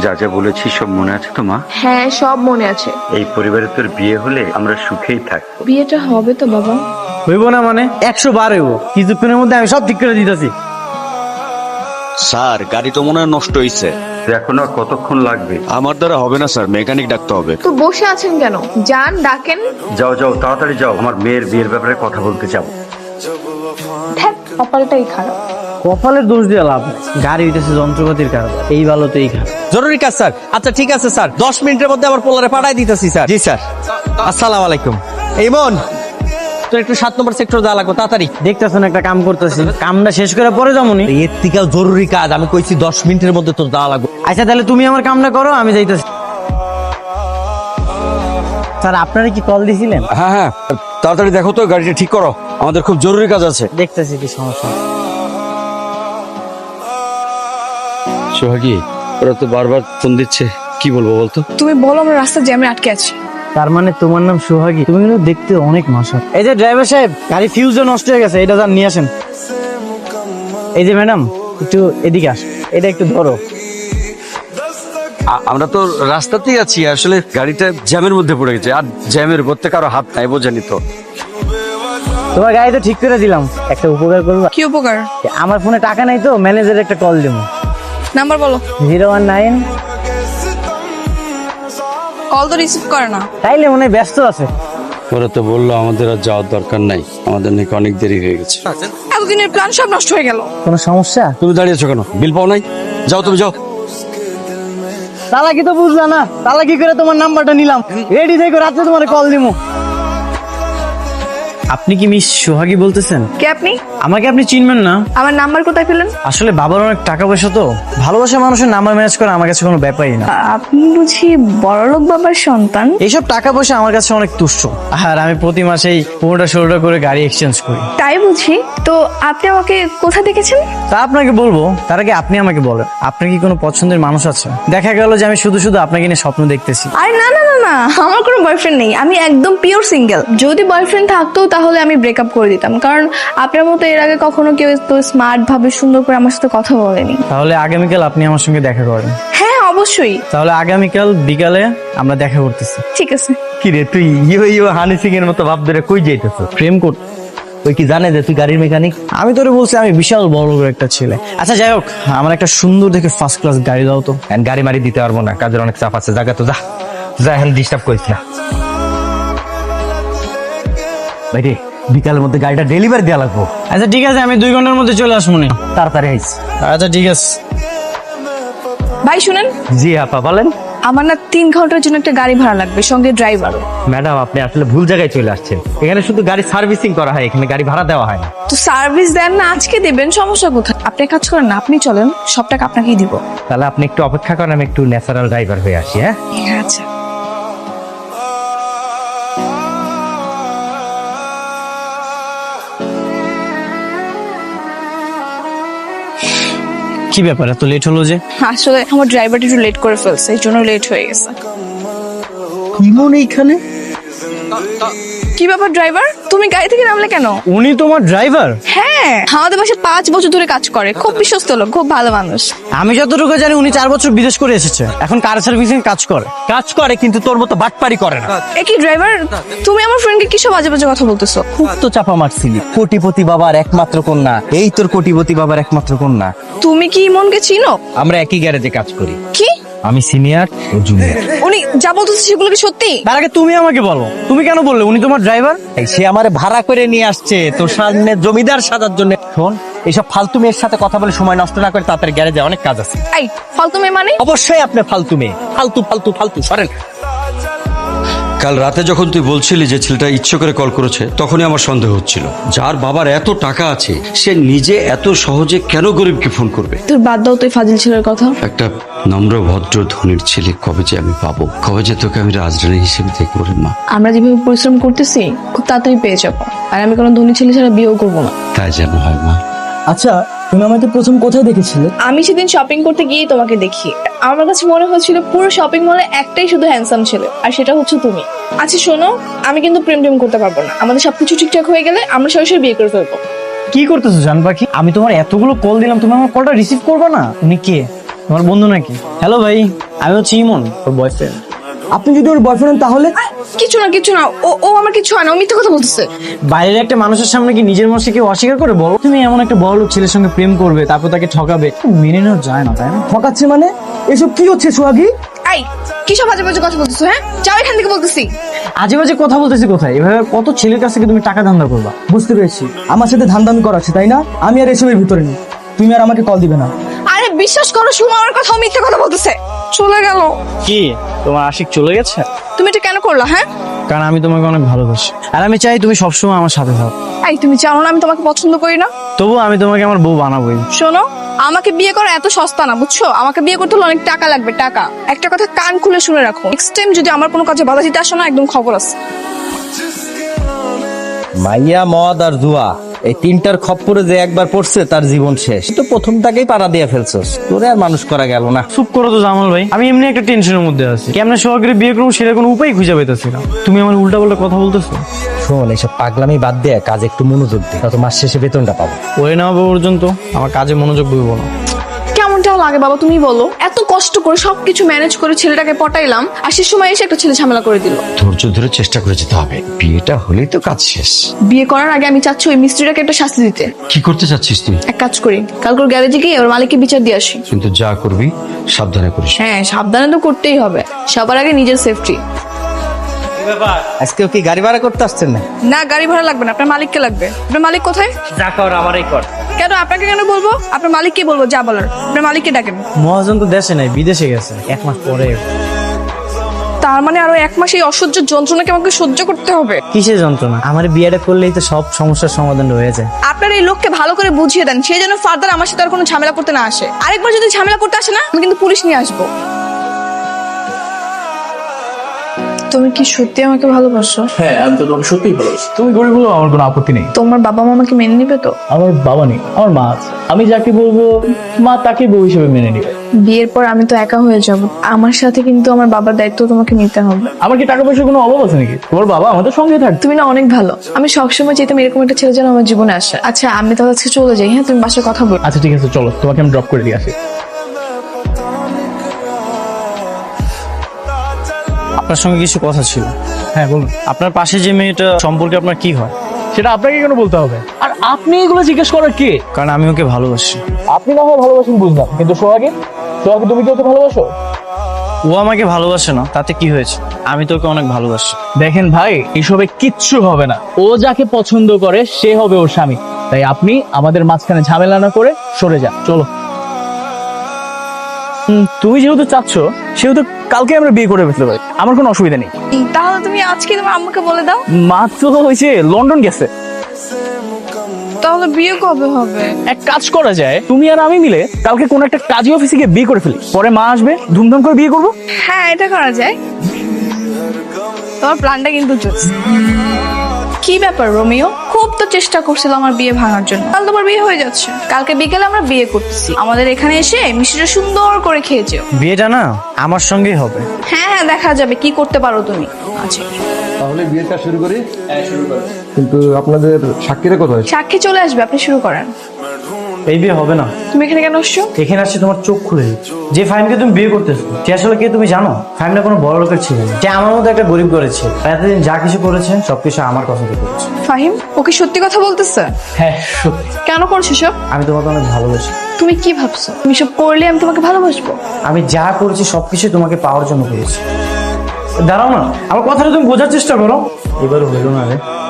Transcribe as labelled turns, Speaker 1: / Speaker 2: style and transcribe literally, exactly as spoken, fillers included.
Speaker 1: যা যা বলেছি সব মনে আছে তো মা?
Speaker 2: হ্যাঁ, সব মনে আছে।
Speaker 1: এই পরিবারে তোর বিয়ে হলে আমরা সুখেই থাকবো।
Speaker 2: বিয়েটা হবে তো বাবা?
Speaker 3: হইব না মানে একশো বার হইব, কিছুক্ষণের মধ্যে আমি সব ঠিক করে দিতেছি।
Speaker 4: স্যার গাড়ি তো মনে হয় নষ্ট হয়েছে।
Speaker 1: এখন আর কতক্ষণ লাগবে?
Speaker 4: আমার দ্বারা হবে না স্যার, মেকানিক ডাকতে হবে।
Speaker 2: তো বসে আছেন কেন? যান, ডাকেন।
Speaker 1: যাও যাও তাড়াতাড়ি যাও, আমার মেয়ের বিয়ের ব্যাপারে কথা বলতে যাবো।
Speaker 2: ধ্যাৎ, কপালটাই খারাপ।
Speaker 3: কপালের দোষ দিয়ে লাভ নেই, গাড়ি হইতেছে যন্ত্রপাতির কারণে, এই ভালো তো এই খারাপ।
Speaker 5: জরুরি কাজ স্যার। আচ্ছা ঠিক আছে স্যার, দশ মিনিটের মধ্যে আমার পোলারে পাঠাই দিতেছি স্যার। জি স্যার। আসসালামু আলাইকুম। এই মন, তো একটু সাত নম্বর সেক্টর দেওয়া লাগবে তাড়াতাড়ি।
Speaker 3: দেখতেছেন একটা কাম করতেছি, কামটা শেষ করে পরে যামুনি।
Speaker 5: এর থেকেও জরুরি কাজ, আমি কইছি দশ মিনিটের মধ্যে তোর দেওয়া লাগবে।
Speaker 3: আচ্ছা তাহলে তুমি আমার কামটা করো, আমি যাইতেছি। স্যার আপনারা কি কল দিছিলেন?
Speaker 4: হ্যাঁ হ্যাঁ, তাড়াতাড়ি দেখো তো গাড়িটা ঠিক করো, আমাদের খুব জরুরি কাজ আছে।
Speaker 3: দেখতেছি কি সমস্যা।
Speaker 4: সোহাগী, ওরা তো বারবার ফোন দিচ্ছে, কি বলবো বলতো?
Speaker 6: তুমি বলো, আমরা রাস্তার জ্যামে আটকে আছি।
Speaker 3: তার মানে তোমার নাম সোহাগী? তুমি কিন্তু দেখতে অনেক মাসা। এই যে ড্রাইভার সাহেব, গাড়ি ফিউজও নষ্ট হয়ে গেছে, এটা যান নিয়ে আসেন। এই যে ম্যাডাম, একটু এদিকে আস, এটা একটু ধরো।
Speaker 4: আ- আমরা তো রাস্তাতেই আছি, আসলে গাড়িটা জ্যামের মধ্যে পড়ে গেছে, আর জ্যামের মধ্যে কারো হাত নাই, বোঝানি তো।
Speaker 3: তোমার গাড়ি তো ঠিক করে দিলাম, একটা উপকার করবো?
Speaker 6: কি উপকার?
Speaker 3: আমার ফোনে টাকা নাই তো, ম্যানেজার একটা কল দেবো।
Speaker 6: নাম্বার বলো।
Speaker 3: Zero one nine.
Speaker 6: কল তো রিসিভ করে না।
Speaker 3: তাইলে মনে হয় ব্যস্ত আছে।
Speaker 4: ওরা তো বললো আমাদের আর যাওয়ার দরকার নাই, আমাদের নাকি অনেক দেরি হয়ে গেছে।
Speaker 6: এতদিনের প্ল্যান সব নষ্ট হয়ে গেল।
Speaker 3: কোনো সমস্যা?
Speaker 4: তুমি দাঁড়িয়েছো কেন? বিল পাও নাই? যাও তুমি যাও।
Speaker 3: তালা কি তো বুঝলা না, তালা কি করে তোমার নাম্বারটা নিলাম, রেডি থেকে রাত্রে তোমার কল দিমু। আপনি কি মিস সোহাগী বলতেছেন?
Speaker 6: কে আপনি?
Speaker 3: আমাকে আপনি চিনবেন না?
Speaker 6: আমার নাম্বার কোথায় পেলেন?
Speaker 3: আসলে বাবার অনেক টাকা পয়সা তো, ভালোবাসা মানুষের নাম্বার ম্যানেজ করা আমার কাছে কোনো ব্যাপারই না।
Speaker 6: আপনি বুঝি বড়লোক বাবার সন্তান?
Speaker 3: এইসব টাকা পয়সা আমার কাছে অনেক তুচ্ছ, আর আমি প্রতি মাসেই পনেরোটা ষোলোটা করে গাড়ি এক্সচেঞ্জ করি।
Speaker 6: তাই বুঝি। তো আপনি আমাকে কোথায় দেখেছেন?
Speaker 3: তা আপনাকে বলবো, তার আগে আপনি আমাকে বলেন, আপনার কি কোনো পছন্দের মানুষ আছে? দেখা গেল যে আমি শুধু শুধু আপনাকে নিয়ে স্বপ্ন দেখতেছি।
Speaker 6: আরে না না না না, আমার কোনো বয়ফ্রেন্ড নেই, আমি একদম পিওর সিঙ্গেল। যদি বয়ফ্রেন্ড থাকতো তাহলে আমি ব্রেকআপ করে দিতাম, কারণ আপনার মতো এর আগে কখনো কেউ তো স্মার্ট ভাবে সুন্দর করে আমার সাথে কথা বলেনি।
Speaker 3: তাহলে আগামীকাল আপনি আমার সঙ্গে দেখা করেন।
Speaker 6: হ্যাঁ অবশ্যই।
Speaker 3: তাহলে আগামীকাল বিকালে আমরা দেখা করতেছি।
Speaker 6: ঠিক আছে।
Speaker 5: কি রে তুই ইয়ো ইয়ো হানি সিং এর মতো ভাব ধরে কই যাইতেছ?
Speaker 3: প্রেম কর।
Speaker 5: ওই কি জানে যে তুই গাড়ির মেকানিক?
Speaker 3: আমি তোরে বলছি আমি বিশাল বড় লোকের একটা ছেলে। আচ্ছা যাই হোক, আমার একটা সুন্দর দেখে ফার্স্ট ক্লাস গাড়ি দাও তো।
Speaker 5: এখন গাড়ি মারি দিতে পারবো না, কাজের অনেক চাপ আছে। জায়গা তো যা যা, এখন ডিস্টার্ব করিস না। ভাই রে, বিকালের মধ্যে গাড়িটা ডেলিভারি দেওয়া লাগবো।
Speaker 3: আচ্ছা ঠিক আছে, আমি দুই ঘন্টার মধ্যে চলে আসবো নি।
Speaker 5: তাড়াতাড়ি আইস।
Speaker 3: আচ্ছা ঠিক আছে।
Speaker 6: ভাই শুনেন,
Speaker 5: জি আপা বলেন।
Speaker 6: আমার না তিন ঘন্টার জন্য একটা গাড়ি ভাড়া লাগবে, সঙ্গে ড্রাইভারও।
Speaker 5: ম্যাডাম আপনি আসলে ভুল জায়গায় চলে আসছেন, এখানে শুধু গাড়ি সার্ভিসিং করা হয়, এখানে গাড়ি ভাড়া দেওয়া হয় না।
Speaker 6: তো সার্ভিস দেন না, আজকে দেবেন, সমস্যা কোথায়? আপনি এক কাজ করেন না, আপনি চলেন, সব টাকা আপনাকেই দিব।
Speaker 5: তাহলে আপনি একটু অপেক্ষা করেন, আমি একটু ন্যাচারাল ড্রাইভার হয়ে আসি। হ্যাঁ
Speaker 6: আচ্ছা।
Speaker 3: কি ব্যাপার এত লেট হলো যে?
Speaker 6: আসলে আমার ড্রাইভারটা একটু লেট করে ফেলছে, এই জন্য লেট হয়ে গেছে।
Speaker 3: ইমন এইখানে?
Speaker 6: কি ব্যাপার ড্রাইভার, তুমি গাড়ি থেকে নামলে কেন?
Speaker 3: উনি তোমার ড্রাইভার?
Speaker 6: হ্যাঁ, আমাদের বাসায় পাঁচ বছর ধরে কাজ করে, খুব বিশ্বস্ত লোক, খুব ভালো মানুষ।
Speaker 3: আমি যতটুকু জানি উনি চার বছর বিদেশ করে এসেছে, এখন কার সার্ভিসিং কাজ করে।
Speaker 5: কাজ করে কিন্তু তোর মতো বাটপারি করে না।
Speaker 6: একই ড্রাইভার, তুমি আমার ফ্রেন্ডকে কি সব আজে বাজে কথা বলতেছো?
Speaker 5: খুব তো চাপা মারছিলি, কোটিপতি বাবার একমাত্র কন্যা, এই তোর কোটিপতি বাবার একমাত্র কন্যা।
Speaker 6: তুমি কি ইমনকে চিনো?
Speaker 5: আমরা একই গ্যারেজে কাজ করি,
Speaker 6: কি?
Speaker 5: আমি সিনিয়র ও জুনিয়র।
Speaker 6: উনি যা বলতেছে সেগুলো কি সত্যি?
Speaker 3: তার আগে তুমি আমাকে বলো, তুমি কেন বললে উনি তোমার ড্রাইভার?
Speaker 5: সে আমারে ভাড়া করে নিয়ে আসছে তোর সামনে জমিদার সাজার জন্য। শোন, এইসব ফালতু মেয়ের সাথে কথা বলে সময় নষ্ট না করে তাড়াতাড়ি গ্যারেজে অনেক কাজ আছে।
Speaker 6: এই ফালতু মেয়ে মানে?
Speaker 5: অবশ্যই আপনি ফালতু মেয়ে, ফালতু ফালতু ফালতু সরেন।
Speaker 4: কাল রাতে যখন তুই বলছিলি যে ছেলেটা ইচ্ছে করে কল করেছে, তখনই আমার সন্দেহ হচ্ছিল, যার বাবার এত টাকা আছে সে নিজে এত সহজে কেন গরিবকে ফোন করবে?
Speaker 6: তোর বাদ দাও তো এই ফাজিল ছেলের কথা।
Speaker 4: একটা নম্র ভদ্র ধনীর ছেলে কবে যে আমি পাবো, কবে যে তোকে আমি রাজরানী হিসেবে দেখবো রে মা।
Speaker 6: আমরা যেভাবে পরিশ্রম করতেছি খুব তাড়াতাড়ি পেয়ে যাবো, আর আমি কোনো ধনী ছেলে ছাড়া বিয়েও করবো না।
Speaker 4: তাই যেন হয় মা।
Speaker 3: আচ্ছা তুমি আমাকে প্রথম কোথায় দেখেছিলে?
Speaker 6: আমি সেদিন শপিং করতে গিয়েই তোমাকে দেখি, আমার কাছে মনে হচ্ছিল পুরো শপিং মলে একটাই শুধু হ্যান্ডসাম ছেলে, আর সেটা হচ্ছে তুমি। আচ্ছা শোনো, আমি কিন্তু প্রেম টেম করতে পারবো না, আমাদের সবকিছু ঠিকঠাক হয়ে গেলে আমরা সরাসরি বিয়ে করে ফেলবো।
Speaker 3: কি করতেছো জান পাখি? আমি তোমার এতগুলো কল দিলাম, তুমি আমার কলটা রিসিভ করবে না? উনি কে? তোমার বন্ধু নাকি? হ্যালো ভাই, আমি হচ্ছে ইমন, ওর বয়ফ্রেন্ড।
Speaker 7: আপনি যদি ওর বয়ফ্রেন্ড তাহলে
Speaker 2: কিছু না কিছু না, ও ও আমার কিছু হয় না, ও মিথ্যে কথা বলতেছে।
Speaker 3: বাইরের একটা মানুষের সামনে কি নিজের মনকে কেউ অস্বীকার করে বলো? তুমি এমন একটা বড় লোক ছেলের সঙ্গে প্রেম করবে, তারপর তাকে ঠকাবে, মেনে নেওয়া যায় না, তাই না?
Speaker 7: ঠকাচ্ছে মানে? এসব কি হচ্ছে সোহাগী?
Speaker 2: এই কি সব বাজে বাজে কথা বলতেছো? হ্যাঁ, যাও এখান থেকে বলতেছি।
Speaker 3: আজে বাজে কথা বলতেছি কোথায়? এভাবে কত ছেলের কাছ থেকে তুমি টাকা ধান্দা করবা?
Speaker 7: বুঝতে পেরেছি, আমার সাথে ধান্দামি করাচ্ছে তাই না? আমি আর এসবের ভিতরে নেই, তুমি আর আমাকে কল দিবে না।
Speaker 2: আরে বিশ্বাস করো, শুনো আমার কথা, ও মিথ্যে কথা বলতেছে। চলে গেল।
Speaker 3: কি তোমার আশিক চলে গেছে?
Speaker 2: তুমি এটা কেন করলা? হ্যাঁ,
Speaker 3: কারণ আমি তোমাকে অনেক ভালোবাসি, আর আমি চাই তুমি সবসময় আমার সাথে থাকো।
Speaker 2: এই তুমি জানো না আমি তোমাকে পছন্দ করি না?
Speaker 3: তবু আমি তোমাকে আমার বউ বানাবোই।
Speaker 2: শোনো, আমাকে বিয়ে করা এত সস্তা না, বুঝছো? আমাকে বিয়ে করতে হলে অনেক টাকা লাগবে, টাকা। একটা কথা কান খুলে শুনে রাখো, নেক্সট টাইম যদি আমার কোনো কাজে বাধা দিতে আসো না, একদম খবর আছে।
Speaker 5: মাইয়া, মদ আর জুয়া, এই তিনটার খপ্পরে যে একবার পড়ছে তার জীবন শেষ। তো প্রথম তাকেই পাড়া দিয়ে ফেলছস, তোরে আর মানুষ করা গেল না।
Speaker 3: চুপ করো তো জামাল ভাই, আমি এমনি একটা টেনশনের মধ্যে আছি। কেমনে সোহাগের বিয়ে করবো সেটা কোনো উপায় খুঁজে পাইতেছি না। তুমি আমার উল্টা পাল্টা কথা বলতেছো।
Speaker 5: শোন, এইসব পাগলামি বাদ দিয়ে কাজ একটু মনোযোগ দে, তত মাস শেষে বেতনটা পাবো।
Speaker 3: ওই না হওয়া পর্যন্ত আমার কাজে মনোযোগ দেবো না।
Speaker 2: কেমনটাও লাগে বাবা, তুমি বলো? এত কষ্ট করে সবকিছু ম্যানেজ করে ছেলেটাকে পটাইলাম, আর সে সময় এসে একটা ছেলে ঝামেলা করে দিল।
Speaker 4: ধৈর্য ধরে চেষ্টা করে যেতে হবে, বিয়েটা হলেই তো কাজ শেষ।
Speaker 2: বিয়ে করার আগে আমি চাচ্ছি ওই মিস্ত্রিটাকে একটা শাস্তি দিতে।
Speaker 4: কি করতে চাচ্ছিস তুই?
Speaker 2: এক কাজ করি, কালকে গ্যারেজে গিয়ে ওর মালিককে বিচার দিয়ে আসি।
Speaker 4: কিন্তু যা করবি সাবধানে করিস।
Speaker 2: হ্যাঁ, সাবধানে তো করতেই হবে, সবার আগে নিজের সেফটি।
Speaker 5: আজকেও কি গাড়ি ভাড়া করতে আসছেন না?
Speaker 2: না, গাড়ি ভাড়া লাগবে না, আপনার মালিককে লাগবে। আপনার মালিক কোথায়?
Speaker 3: যা কর আমারই কর।
Speaker 2: কেন আপনাকে কেন বলবো? আপনার মালিককে বলবো যা বলার। আপনার মালিককে ডাকেন।
Speaker 3: মহাজন তো দেশে নাই, বিদেশে গেছে, এক মাস পরে।
Speaker 2: তার মানে আরো এক মাস এই অসহ্য যন্ত্রণাকে আমাকে সহ্য করতে হবে?
Speaker 3: কিসের যন্ত্রণা? আমার বিয়েটা করলেই তো সব সমস্যার সমাধান হয়ে যায়।
Speaker 2: আপনার এই লোককে ভালো করে বুঝিয়ে দেন, সে যেন ফার্দার আমার সাথে আর কোনো ঝামেলা করতে না আসে। আরেকবার যদি ঝামেলা করতে আসে না, আমি কিন্তু পুলিশ নিয়ে আসবো। তুমি কি সত্যি আমাকে ভালোবাসো?
Speaker 8: হ্যাঁ, আমি তো তোমাকে সত্যিই ভালোবাসি। তুমি গরিব হলেও আমার কোনো আপত্তি নেই।
Speaker 2: তোমার বাবা মা আমাকে মেনে নিবে তো?
Speaker 8: আমার বাবা নেই, আমার মা আছে। আমি যাকে বলবো মা তাকে বউ হিসেবে মেনে নিবে।
Speaker 2: বিয়ের পর আমি তো একা হয়ে যাব, আমার সাথে কিন্তু আমার বাবার দায়িত্ব তোমাকে নিতে হবে।
Speaker 8: আমার কি টাকা পয়সার কোনো অভাব আছে নাকি? তোমার বাবা আমাদের সঙ্গে থাকবে।
Speaker 2: তুমি না অনেক ভালো, আমি সবসময় চাইতাম এরকম একটা ছেলে যেন আমার জীবনে আসে। আচ্ছা, আমি তাহলে আজকে চলে যাই। হ্যাঁ, তুমি বাসায় কথা বল।
Speaker 8: আচ্ছা ঠিক আছে, চলো তোমাকে আমি ড্রপ করে দিয়ে আসি।
Speaker 3: আপনার সঙ্গে কিছু কথা ছিল।
Speaker 8: হ্যাঁ বলুন।
Speaker 3: আপনার পাশে যে মেয়েটা সম্পর্কে আপনার কি হয়?
Speaker 8: সেটা আপনাকে কেন বলতে হবে? আর আপনি এগুলো জিজ্ঞেস করার কে?
Speaker 3: কারণ আমি ওকে ভালোবাসি।
Speaker 8: আপনি না হয় ভালোবাসেন বুঝলাম, কিন্তু সোহাগে সোহাগে তুমি কি ওকে ভালোবাসো?
Speaker 3: ও আমাকে ভালোবাসে না, তাতে কি হয়েছে? আমি তো ওকে অনেক ভালোবাসি।
Speaker 8: দেখেন ভাই, এসবে কিচ্ছু হবে না। ও যাকে পছন্দ করে সে হবে ওর স্বামী। তাই আপনি আমাদের মাঝখানে ঝামেলা না করে সরে যান। চলো। হুম, তুমি যেহেতু চাচ্ছ সেহেতু কালকে আমরা বিয়ে করে ফেলতে পারি, আমার কোনো অসুবিধা নেই।
Speaker 2: তাহলে তুমি আজকে তোমার আম্মুকে বলে দাও।
Speaker 8: মাত্র হয়েছে লন্ডন গেছে।
Speaker 2: তাহলে বিয়ে কবে হবে?
Speaker 8: এক কাজ করা যায়, তুমি আর আমি মিলে কালকে কোন একটা কাজী অফিসে গিয়ে বিয়ে করে ফেলি, পরে মা আসবে, ধুমধাম করে বিয়ে করবো।
Speaker 2: হ্যাঁ, এটা করা যায়। তোমার প্ল্যানটা কিন্তু জোস। কি ব্যাপার রোমিও, খুব তো চেষ্টা করছিল আমার বিয়ে ভাঙার জন্য। কাল তোমার বিয়ে হয়ে যাচ্ছে, কালকে বিকেলে আমরা বিয়ে করতেছি। আমাদের এখানে এসে মিষ্টিটা সুন্দর করে খেয়ে যেও।
Speaker 3: বিয়েটা না আমার সঙ্গেই হবে।
Speaker 2: হ্যাঁ হ্যাঁ, দেখা যাবে কি করতে পারো তুমি। আচ্ছা,
Speaker 9: তাহলে বিয়েটা শুরু করি। কিন্তু আপনাদের সাক্ষীরা কোথায়?
Speaker 2: সাক্ষী চলে আসবে, আপনি শুরু করেন।
Speaker 3: এই বিয়ে হবে না।
Speaker 2: তুমি এখানে কেন আসছো?
Speaker 3: এখানে আসছে তোমার চোখ খুলে দিচ্ছে। যে ফাহিমকে তুমি বিয়ে করতেছো সে আসলে কে তুমি জানো? ফাহিমটা কোনো বড় লোকের ছিল না, সে আমার মতো একটা গরিব করেছে। এতদিন যা কিছু করেছে সবকিছু আমার কথা দিয়ে করেছে।
Speaker 2: ফাহিম, ও কি সত্যি কথা বলতেছে?
Speaker 8: হ্যাঁ সত্যি।
Speaker 2: কেন করছো সব?
Speaker 3: আমি তোমাকে অনেক ভালোবাসি।
Speaker 2: তুমি কি ভাবছো তুমি সব করলে আমি তোমাকে ভালোবাসবো?
Speaker 3: আমি যা করেছি সবকিছু তোমাকে পাওয়ার জন্য করেছি। দাঁড়াও না, আমার কথাটা তুমি বোঝার চেষ্টা করো। এবার হইল না রে।